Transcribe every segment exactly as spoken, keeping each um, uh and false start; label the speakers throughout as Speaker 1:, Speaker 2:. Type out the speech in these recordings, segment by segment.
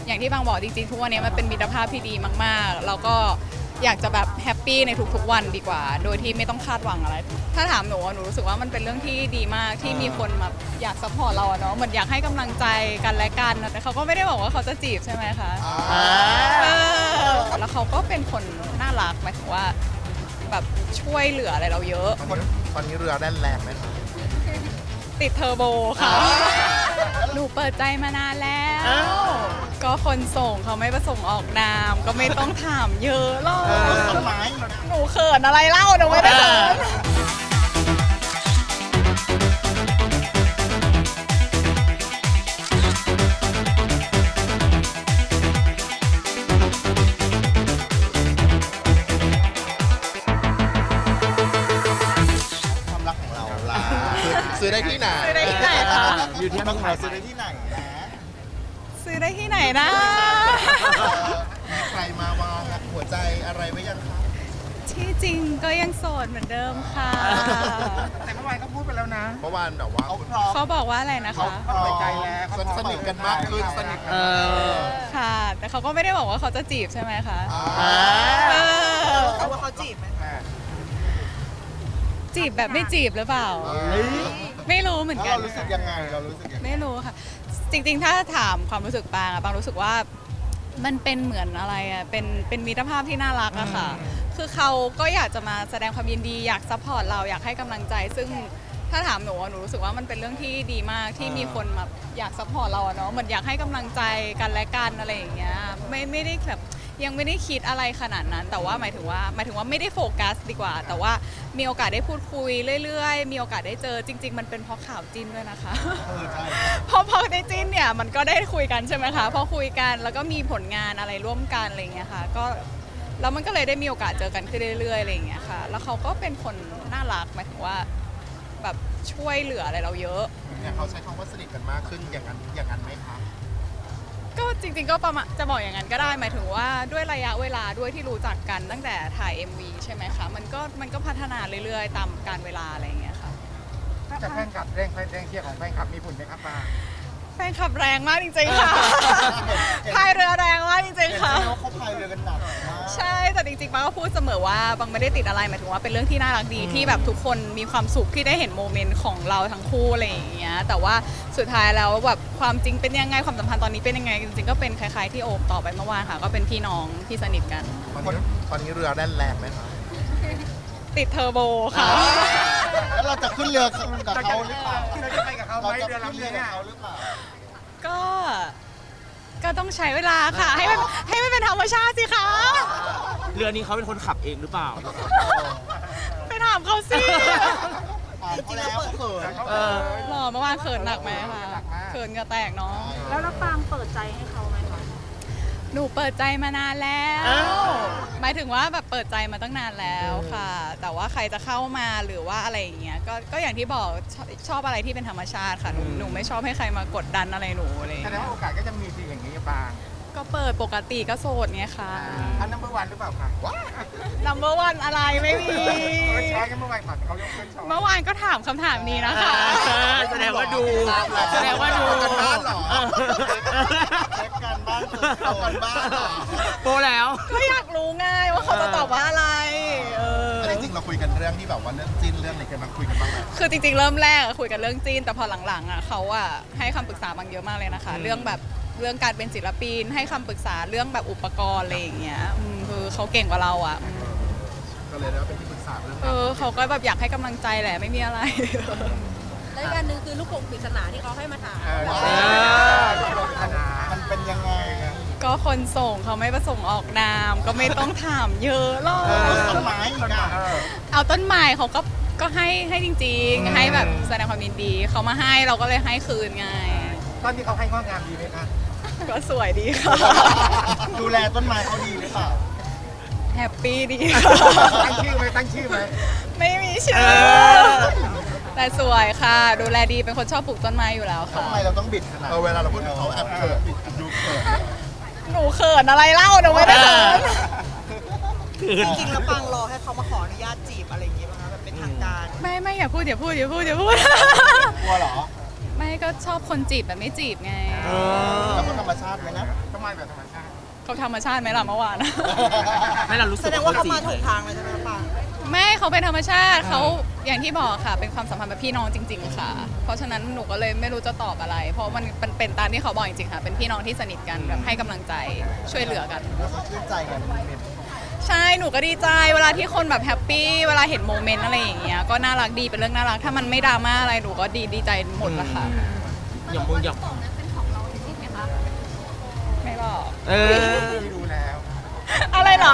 Speaker 1: อย่างที่บางบอกจริงๆทุกวันนี้มันเป็นมิตรภาพที่ดีมากๆแล้วก็อยากจะแบบแฮปปี้ในทุกๆวันดีกว่าโดยที่ไม่ต้องคาดหวังอะไรถ้าถามหนูหนูรู้สึกว่ามันเป็นเรื่องที่ดีมากที่มีคนมาอยากซัพพอร์ตเราเนาะเหมือนอยากให้กำลังใจกันและกันแต่เขาก็ไม่ได้บอกว่าเขาจะจีบใช่ไหมคะแล้วเขาก็เป็นคนน่ารักหมายถึงว่าแบบช่วยเหลืออะไรเราเยอะ
Speaker 2: ตอนนี้เรือแล่นแรงไหมคะ
Speaker 1: ติดเทอร์โบค่ะหนูเปิดใจมานานแล้วก็คนส่งเขาไม่ประสงค์ออกนามก็ไม่ต้องถามเยอะหรอกหนูเขินอะไรเล่าหนูไม่ได้เขิน
Speaker 2: ซื้อได้ที่ไหน
Speaker 1: ซื้อได้ที่ไหนคะ
Speaker 3: อยู่ที่บ้านเราซื้อได้ที่ไหนนะ
Speaker 1: ซื้อได้ที่ไหนนะ
Speaker 2: มีใครมาวางหัวใจอะไรไว้ยังคะ
Speaker 1: ที่จริงก็ยังโสดเหมือนเดิมค่ะ
Speaker 3: แต่เมื่อวานเขาพูดไปแล้วนะ
Speaker 2: เมื่อวานแบบว่า
Speaker 1: เขาบอกว่าอะไรนะคะ
Speaker 2: เขาเปิดใจแล้วสนิทกันมากขึ้นสนิทกัน
Speaker 1: ค่ะแต่เขาก็ไม่ได้บอกว่าเขาจะจีบใช่ไหมคะ
Speaker 4: เขาว่าเขาจีบไหม
Speaker 1: จีบแบบไม่จีบหรือเปล่าไม่รู้เหมือนกัน
Speaker 2: เรารู้สึกยังไงเรารู้สึกยังไง
Speaker 1: ไม่รู้ค่ะจริงๆถ้าถามความรู้สึกปางอะปางรู้สึกว่ามันเป็นเหมือนอะไรอะเป็นเป็นมิตรภาพที่น่ารักอะค่ะคือเขาก็อยากจะมาแสดงความยินดีอยากซัพพอร์ตเราอยากให้กำลังใจซึ่งถ้าถามหนูหนูรู้สึกว่ามันเป็นเรื่องที่ดีมากที่มีคนมาอยากซัพพอร์ตเราเนาะเหมือนอยากให้กำลังใจกันและกันอะไรอย่างเงี้ยไม่ไม่ได้แบบยังไม่ได้คิดอะไรขนาดนั้นแต่ว่าหมายถึงว่าหมายถึงว่าไม่ได้โฟกัสดีกว่าแต่ว่ามีโอกาสได้พูดคุยเรื่อยๆมีโอกาสได้เจอจริงๆมันเป็นเพราะข่าวจิ้นด้วยนะคะพอพอได้จิ้นเนี่ยมันก็ได้คุยกันใช่ไหมคะพอคุยกันแล้วก็มีผลงานอะไรร่วมกันอะไรอย่างเงี้ยค่ะก็แล้วมันก็เลยได้มีโอกาสเจอกันขึ้นเรื่อยๆอะไรอย่างเงี้ยค่ะแล้วเขาก็เป็นคนน่ารักหมายถึงว่าแบบช่วยเหลืออะไรเราเยอะ
Speaker 2: เนี่ยเขาใช้คำว่าสนิทกันมากขึ้นอย่างนั้นอย่างนั้นไหมคะ
Speaker 1: ก็จริงๆก็ประมาณจะบอกอย่างนั้นก็ได้หมายถึงว่าด้วยระยะเวลาด้วยที่รู้จักกันตั้งแต่ถ่าย เอ็ม วี ใช่ไหมคะมันก็มันก็พัฒนาเรื่อยๆตามกาลเวลาอะไรอย่างเงี้ยค่ะ
Speaker 3: จะแฟนคลับแรงแรงเชียร์ของแฟนคลับมีผลไหมครับป้า
Speaker 1: แฟนคลับแรงมากจริงๆค่ะพายเรือแรงมากจริงๆค่ะ
Speaker 2: เขาพายเรือกันหนัก
Speaker 1: ใช่แต่จริงๆป้าก็พูดเสมอว่าบางไม่ได้ติดอะไรหมายถึงว่าเป็นเรื่องที่น่ารักดีที่แบบทุกคนมีความสุขที่ได้เห็นโมเมนต์ของเราทั้งคู่อะไรอย่างเงี้ยแต่ว่าสุดท้ายแล้วแบบความจริงเป็นยังไงความสัมพันธ์ตอนนี้เป็นยังไงจริงๆก็เป็นคล้ายๆที่โอบต่อไปเมื่อวานค่ะก็เป็นพี่น้องที่สนิทกัน
Speaker 2: ตอนนี้ตอนนี้เรือแล่นแรงไหมคะ
Speaker 1: ติดเทอร์โบค่ะ
Speaker 2: แล้วเราจะขึ้นเรือกับเขาหรือเปล่า
Speaker 3: เราจะไปกับเขาไหมเรือลำนี้เนี่ย
Speaker 1: ก็ก็ต้องใช้เวลาค่ะให้มันให้มันเป็นธรรมชาติสิคะ
Speaker 5: เรือนี้เขาเป็นคนขับเองหรือเปล่า
Speaker 1: ไปถามเขาสิ
Speaker 2: จริงๆแล้วเขิน
Speaker 1: หล่อเมื่อวานเขินหนักไหมคะเขินก็แตกเนาะ
Speaker 4: แล้วน้าปางเปิดใจให้เขาไหมคะ
Speaker 1: หนูเปิดใจมานานแล้วหมายถึงว่าแบบเปิดใจมาตั้งนานแล้วค่ะแต่ว่าใครจะเข้ามาหรือว่าอะไรอย่างเงี้ยก็ก็อย่างที่บอกชอบอะไรที่เป็นธรรมชาติค่ะหนูหนูไม่ชอบให้ใครมากดดันอะไรหนูอะไร
Speaker 3: แสดงว่าโอกาสก็จะมีสิ่งอย่างนี้บาง
Speaker 1: ก็เปิดปกติก็โสดไงค่ะ
Speaker 3: อันนัมเบอร์วันหรือเปล่าคะ
Speaker 1: นัมเบอร์วันอะไรไม่มี
Speaker 3: ใช่เมื่อวานเขายกขึ้น
Speaker 1: เมื่อวานก็ถามคำถามนี้นะคะ
Speaker 5: แสดงว่าดู
Speaker 1: แสดงว่าดู
Speaker 2: กันบ้านหรอเช็คกันบ้านเอากันบ้านหรอ
Speaker 5: โปแล้ว
Speaker 1: ก็อยากรู้ไงว่าเขาจะตอบว่าอะไรเออ
Speaker 2: จริงๆเราคุยกันเรื่องที่แบบว่าเรื่องจีนเรื่องอะไรกันมาคุยกันบ้างไหม
Speaker 1: คือจริงๆเริ่มแรกคุยกันเรื่องจีนแต่พอหลังๆอ่ะเขาอ่ะให้คำปรึกษาบางเยอะมากเลยนะคะเรื่องแบบเรื่องการเป็นศิลปินให้คำปรึกษาเรื่องแบบอุปกรณ์อะไรอย่างเงี้ยคือเขาเก่งกว่าเราอ่ะ
Speaker 2: ก็เลยได้เป็นที่ปรึกษาเรื่อง
Speaker 1: เออเขาก็แบบอยากให้กำลังใจแหละไม่มีอะไร
Speaker 4: และอีกอันหนึ่งคือลูกโป่งปริศนาที่เขาให้มาถาม
Speaker 2: มันเป็นยังไง
Speaker 1: ก็คนส่งเขาไม่ประสงค์ออกนามก็ไม่ต้องถามเยอะหรอก
Speaker 2: ต้นไม้
Speaker 1: เอาต้นไม้เขาก็ก็ให้ให้จริงๆให้แบบแสดงความยินดีเขามาให้เราก็เลยให้คืนไง
Speaker 3: ตอนที่เขาให้งอกงามดีไหมคะ
Speaker 1: ก็สวยดีค่ะ
Speaker 2: ดูแลต้นไม้เขาดีหรือเปล่า
Speaker 1: แฮปปี้ดี
Speaker 3: ตั้งชื่อไหมตั้งชื่อไหม
Speaker 1: ไม่มีชื่อแต่สวยค่ะดูแลดีเป็นคนชอบปลูกต้นไม้อยู่แล้วค่ะ
Speaker 2: ทำไมเราต้องบิดขนาดเวลาเราพูดถึงเขาแอบเขินบิดดูเขิน
Speaker 1: หนูเขินอะไรเล่าหนูไม่ได้เขิน
Speaker 4: จริงๆแล้วปางรอให้เขามาขออนุญาตจีบอะไรอย่างเงี้ยป่ะคะแบบเป็นทางการ
Speaker 1: ไม่ไม่อย่าพูดอย่าพูดอย่าพูดอย่าพูด
Speaker 2: กลัวเหรอ
Speaker 1: ไม่ก็ชอบคนจีบแบบไม่จีบไง
Speaker 2: แล้วก็ธรรมชาติไหมนะ
Speaker 3: ธรเขามาแบบธรรมชาติ
Speaker 1: เขาธรรมชาติไหมล่ะเมื่อวาน
Speaker 5: ไม่เรารู้สึ
Speaker 4: แส
Speaker 5: ก
Speaker 4: ดงว่าเขา
Speaker 5: จีบ
Speaker 4: มาถูก
Speaker 5: ไห
Speaker 4: ทางเลยใช่ไหมปัง
Speaker 1: ไม่เขาเป็นธรรมชาติเขาอย่างที่บอกค่ะ เป็นความสัมพันธ์แบบพี่น้องจริง ๆ ค่ะ เพราะฉะนั้นหนูก็เลยไม่รู้จะตอบอะไร เพราะมันเป็นเป็นตามที่เขาบอกจริงๆค่ะ เป็นพี่น้องที่สนิทกันแบบให้กำลังใจช่วยเหลือกัน
Speaker 2: แล้วเขาชื่นใจกันโมเมนต์
Speaker 1: ใช่หนูก็ดีใจเวลาที่คนแบบแฮปปี้เวลาเห็นโมเมนต์อะไรอย่างเงี้ยก็น่ารักดีเป็นเรื่องน่ารักถ้ามันไม่ดราม่าอะไรหนูก็ดีดีใจหมดละค่ะ
Speaker 5: อย่างมึงอย่าง
Speaker 1: ไม่บอก
Speaker 5: เออ
Speaker 3: ดูแล้ว
Speaker 1: อะไรเหรอ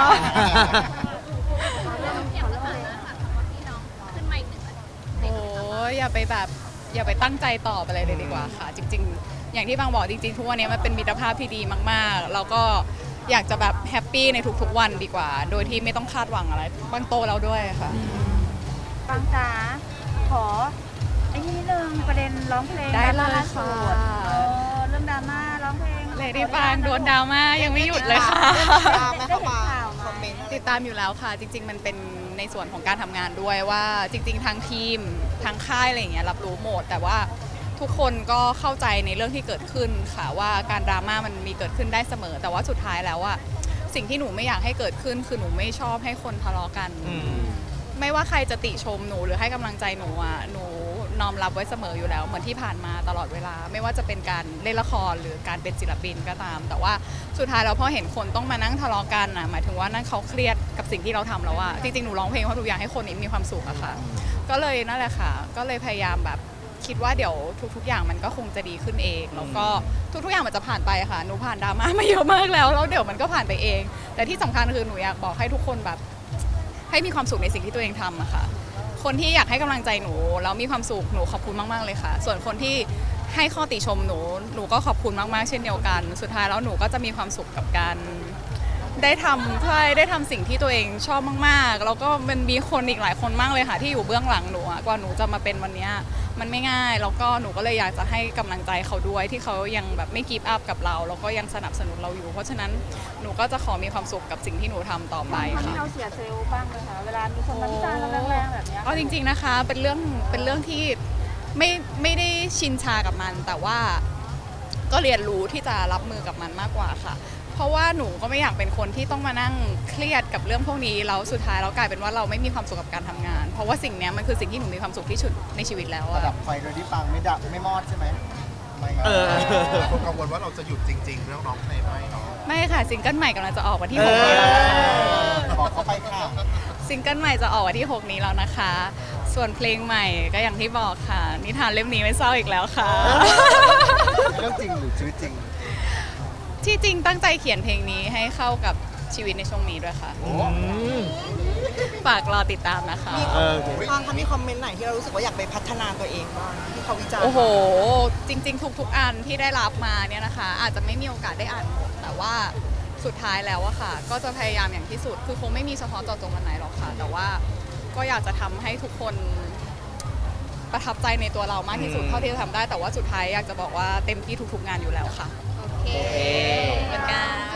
Speaker 1: โอ้ยอย่าไปแบบอย่าไปตั้งใจตอบอะไรเลยดีกว่าค่ะ จริง ๆ อย่างที่บางบอกจริงๆทุกวันนี้มันเป็นมิตรภาพที่ดีมากๆ แล้วก็อยากจะแบบแฮปปี้ในทุกๆวันดีกว่า โดยที่ไม่ต้องคาดหวังอะไรบางโตแล้วด้วยค่ะ
Speaker 6: ปังจ๋าขอไอ้นี่นิดนึงประเด็นร้องเพลง
Speaker 1: ได้เลย
Speaker 6: ดราม่า
Speaker 1: ค่ะ
Speaker 6: สุดเออเรื่องดราม่าร้องเพลง
Speaker 1: เลดี้ปางโดนดราม่ายังไม่หยุดเลยค่ะ
Speaker 4: ตามไหมเข้ามาคอมเมนต์
Speaker 1: ติดตามอยู่แล้วค่ะ จริง ๆ มันเป็นในส่วนของการทำงานด้วยว่าจริง ๆ ทางทีมทางค่ายอะไรอย่างเงี้ยรับรู้หมด แต่ว่าทุกคนก็เข้าใจในเรื่องที่เกิดขึ้นค่ะว่าการดราม่ามันมีเกิดขึ้นได้เสมอ แต่ว่าสุดท้ายแล้วอะสิ่งที่หนูไม่อยากให้เกิดขึ้น คือหนูไม่ชอบให้คนทะเลาะกัน
Speaker 5: อืม
Speaker 1: ไม่ว่าใครจะติชมหนูหรือให้กำลังใจหนูอะหนูน้อมรับไว้เสมออยู่แล้วเหมือนที่ผ่านมาตลอดเวลา ไม่ว่าจะเป็นการเล่นละครหรือการเป็นศิลปินก็ตาม แต่ว่าสุดท้ายแล้วพอเห็นคนต้องมานั่งทะเลาะกันอะหมายถึงว่านั่นเขาเครียดกับสิ่งที่เราทำแล้วอะจริงๆหนูร้องเพลงเพราะหนูอยากให้คนนี้มีความสุขอะค่ะ ก็เลยนั่นแหละค่ะ ก็เลยพยายามแบบคิดว่าเดี๋ยวทุก ๆ อย่างมันก็คงจะดีขึ้นเอง แล้วก็ทุกๆอย่างมันจะผ่านไปค่ะ หนูผ่านดราม่ามาเยอะมากแล้วแล้วเดี๋ยวมันก็ผ่านไปเอง แต่ที่สำคัญคือหนูอยากบอกให้ทุกคนแบบ ให้มีความสุขในสิ่งที่ตัวเองทำอะค่ะ คนที่อยากให้กำลังใจหนูแล้วมีความสุขหนูขอบคุณมากๆเลยค่ะ ส่วนคนที่ให้ข้อติชมหนูหนูก็ขอบคุณมากๆเช่นเดียวกัน สุดท้ายแล้วหนูก็จะมีความสุขกับการได้ทำใช่ได้ทำสิ่งที่ตัวเองชอบมากๆ แล้วก็มันมีคนอีกหลายคนมากเลยค่ะ ที่อยู่เบื้องหลังหนูอะกว่าหนูจะมาเป็นวันเนี้ยมันไม่ง่าย แล้วก็หนูก็เลยอยากจะให้กำลังใจเขาด้วยที่เขายังแบบไม่กีบอัพกับเราแล้วก็ยังสนับสนุนเราอยู่ เพราะฉะนั้นหนูก็จะขอมีความสุขกับสิ่งที่หนูทำต่อไป
Speaker 6: ทำให้
Speaker 1: ค่ะ
Speaker 6: เราเสียเซลล์บ้างเลยค่ะ เวลามีคนมาวิจารณ์เราแรงๆแบบเนี้ย
Speaker 1: เอาจริงๆนะคะเป็นเรื่องเป็นเรื่องที่ไม่ไม่ได้ชินชากับมัน แต่ว่าก็เรียนรู้ที่จะรับมือกับมันมากกว่าค่ะ เพราะว่าหนูก็ไม่อยากเป็นคนที่ต้องมานั่งเครียดกับเรื่องพวกนี้แล้วสุดท้ายเรากลายเป็นว่าเราไม่มีความสุขกับการทำงาน เพราะว่าสิ่งเนี้ยมันคือสิ่งที่หนูมีความสุขที่สุดในชีวิตแล้ว
Speaker 2: ระ
Speaker 1: อะ
Speaker 2: ดับไฟโดยที่ปังไม่ดับไม่มอดใช่ไหมไม่
Speaker 5: เออ
Speaker 2: คนกังวลว่าเราจะหยุดจริง ๆ เรื่องร้องเพลงไหมเนาะ
Speaker 1: ไม่ค่ะซิงเกิลใหม่กำลังจะออกวันที่
Speaker 5: เอ
Speaker 1: หก
Speaker 5: อ
Speaker 2: บอกเขาไปค่ะ
Speaker 1: ซิงเกิลใหม่จะออกวันที่หกนี้แล้วนะคะ ส่วนเพลงใหม่ก็อย่างที่บอกค่ะ นิทานเล่มนี้ไม่เศร้าอีกแล้วค่ะ
Speaker 2: เรื่องจริงหรือชีวิตจริง
Speaker 1: ที่จริงตั้งใจเขียนเพลงนี้ให้เข้ากับชีวิตในช่วงนี้ด้วยค่ะ
Speaker 5: อืม
Speaker 1: ฝากรอติดตามนะคะ
Speaker 5: เออ
Speaker 4: ปังคะมีคอมเมนต์ไหนที่เรารู้สึกว่าอยากไปพัฒนาตัวเองบ้างที่เขาวิจารณ์
Speaker 1: โอ้โห จริง ๆ ทุก ๆ อันที่ได้รับมาเนี่ยนะคะ อาจจะไม่มีโอกาสได้อ่านหมด แต่ว่าสุดท้ายแล้วอะค่ะ ก็จะพยายามอย่างที่สุด คือคงไม่มีเฉพาะเจาะจงวันไหนหรอกค่ะ แต่ว่าก็อยากจะทำให้ทุกคนประทับใจในตัวเรามากที่สุด
Speaker 5: อืม
Speaker 1: เท่าที่จะทำได้ แต่ว่าสุดท้ายอยากจะบอกว่าเต็มที่ทุก ๆ งานอยู่แล้วค่ะ
Speaker 5: โอเค
Speaker 1: เหมือนกัน